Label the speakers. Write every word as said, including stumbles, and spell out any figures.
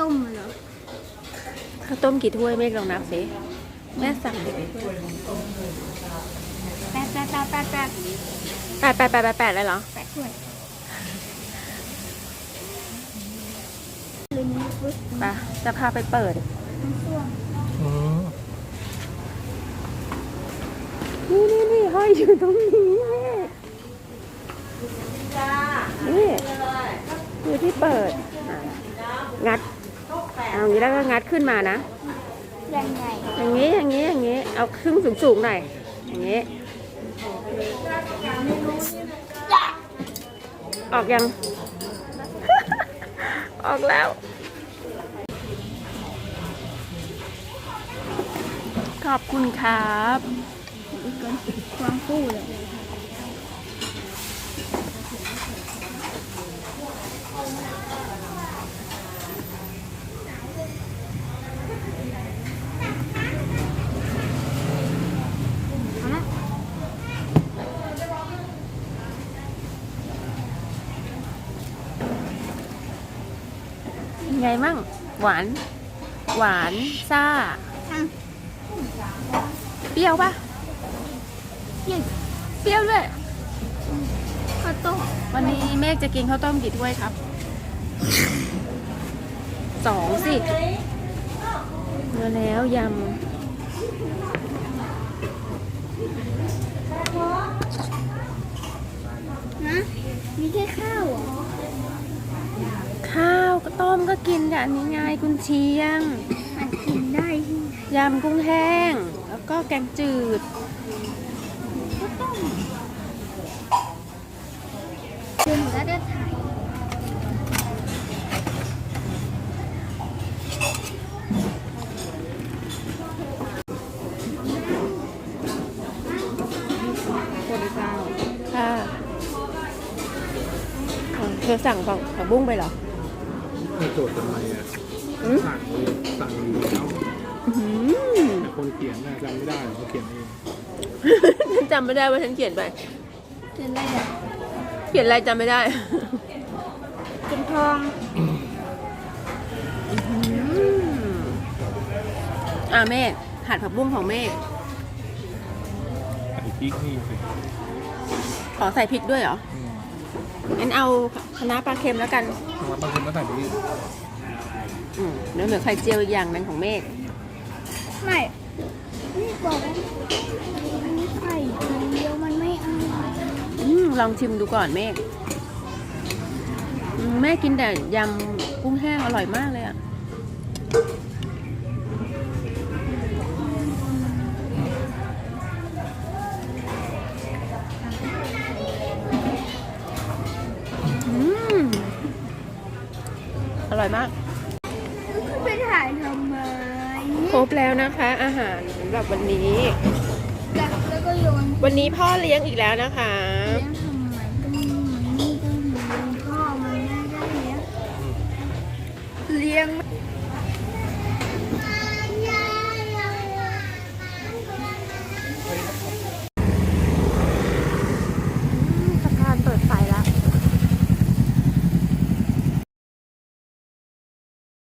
Speaker 1: ต้มเหรอ
Speaker 2: ข้าวต้มกี่ถ้วยเมฆลองนับสิแม่สั่งแปด
Speaker 1: แปดแปดแปดแปดแปด
Speaker 2: แปดแปดแปดแปดแปดเลยเหรอ
Speaker 1: แปดถ้วย
Speaker 2: ไปจะพาไปเปิดนี่นี่นี่ห้อยอยู่ตรงนี้นี่คือที่เปิดงัดเอาอย่างนี้แล้วก็งัดขึ้นมานะ
Speaker 1: ยังไง
Speaker 2: อย่างนี้อย่างนี้อย่างนี้เอาครึ่งสูงๆหน่อยอย่างนี้ออกยัง ออกแล้วขอบคุณครับ
Speaker 1: ความฟูเลย
Speaker 2: ไงมั่งหวานหวานซ่าเปรี้ยวปะ
Speaker 1: เปรี้ยว
Speaker 2: เปรี้ยวด้วย
Speaker 1: ข้าวต้ม
Speaker 2: วันนี้เมฆจะกินข้าวต้มกี่ถ้วยครับสองสิมาแล้วยำ
Speaker 1: นะมีแค่ข้าวเหรอ
Speaker 2: ข้าวก็ต้มก็กินแบบนี้ไงกุนเชียง
Speaker 1: มันกินได้ที่ไหน
Speaker 2: ยำกุ้งแห้งแล้วก็แกงจืด
Speaker 1: ก็ต้มเดี๋ยวหนูจะได้ถ่าย
Speaker 2: คนเจ้าค่ะเธอสั่งของผักบุ้งไปเหรอ
Speaker 3: ไม่โจทย์ทำไมอ่ะสั่งสั่งอยู่แล้วแต่คนเขียนน่ะจำไม่ได้เขาเขียนเอง
Speaker 2: ฉันจำไม่ได้ว่าฉันเขียนไป
Speaker 1: เขียนอะไรอ่ะ
Speaker 2: เขียนอะไรจำไม่ได้
Speaker 1: เป็นทอง
Speaker 2: อ่าเมฆหั่นผักบุ้งของเมฆ
Speaker 3: ใส่พริกนี่สิ
Speaker 2: ขอใส่พริกด้วยเหรองั้นเอาคะน้าปลาเค็มแล้วกัน
Speaker 3: บางคนก็ใส่พริก
Speaker 2: อืมเดี๋ยวเหลือไข่เจียวอีกอย่างนึงของเมฆ
Speaker 1: ไม่นี่บอกว่ามีไข่เดียวมันไม่อร่อย
Speaker 2: อืมลองชิมดูก่อนเมฆแม่กินแต่ยำกุ้งแห้งอร่อยมากเลยอ่ะอร่อยมาก
Speaker 1: ไปถ่ายทำไม
Speaker 2: ครบแล้วนะคะอาหารสำหรับวันนี้
Speaker 1: แล้วก็โยน
Speaker 2: วันนี้พ่อเลี้ยงอีกแล้วนะคะ
Speaker 1: เลี้ยงทำไมก็มันนี่ก็เลี้ยงพ่อมันไม่ได้เลี้ยงเลี้ยง